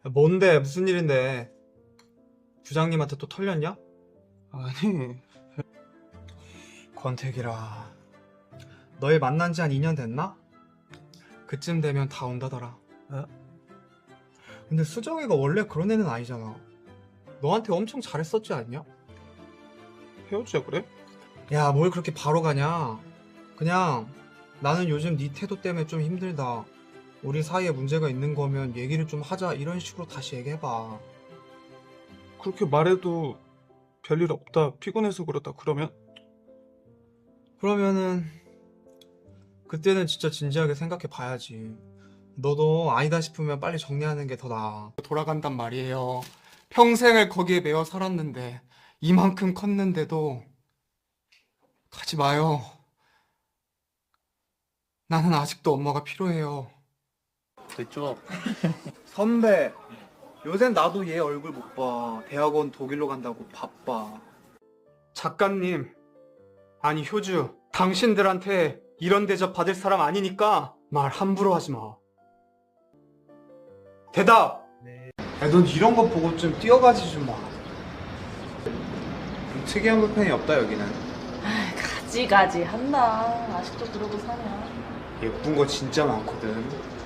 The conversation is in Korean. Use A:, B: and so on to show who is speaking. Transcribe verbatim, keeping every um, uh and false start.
A: 뭔데? 무슨 일인데? 부장님한테 또 털렸냐?
B: 아니,
A: 권태기라. 너희 만난 지 한 이 년 됐나? 그쯤 되면 다 온다더라.
B: 어?
A: 근데 수정이가 원래 그런 애는 아니잖아. 너한테 엄청 잘했었지 않냐?
B: 헤어지자 그래?
A: 야, 뭘 그렇게 바로 가냐? 그냥 나는 요즘 네 태도 때문에 좀 힘들다. 우리 사이에 문제가 있는 거면 얘기를 좀 하자. 이런 식으로 다시 얘기해봐.
B: 그렇게 말해도 별일 없다, 피곤해서 그렇다 그러면?
A: 그러면은 그때는 진짜 진지하게 생각해 봐야지. 너도 아니다 싶으면 빨리 정리하는 게 더 나아. 돌아간단 말이에요. 평생을 거기에 매여 살았는데 이만큼 컸는데도 가지 마요. 나는 아직도 엄마가 필요해요.
B: 됐죠.
A: 선배, 요샌 나도 얘 얼굴 못 봐. 대학원 독일로 간다고 바빠. 작가님, 아니 효주, 당신들한테 이런 대접 받을 사람 아니니까 말 함부로 하지 마. 대답! 네. 야, 넌 이런 거 보고 좀 뛰어가지 좀 마. 좀 특이한 불펜이 없다 여기는.
C: 아이, 가지가지 한다. 아직도 그러고 사냐.
A: 예쁜 거 진짜 많거든.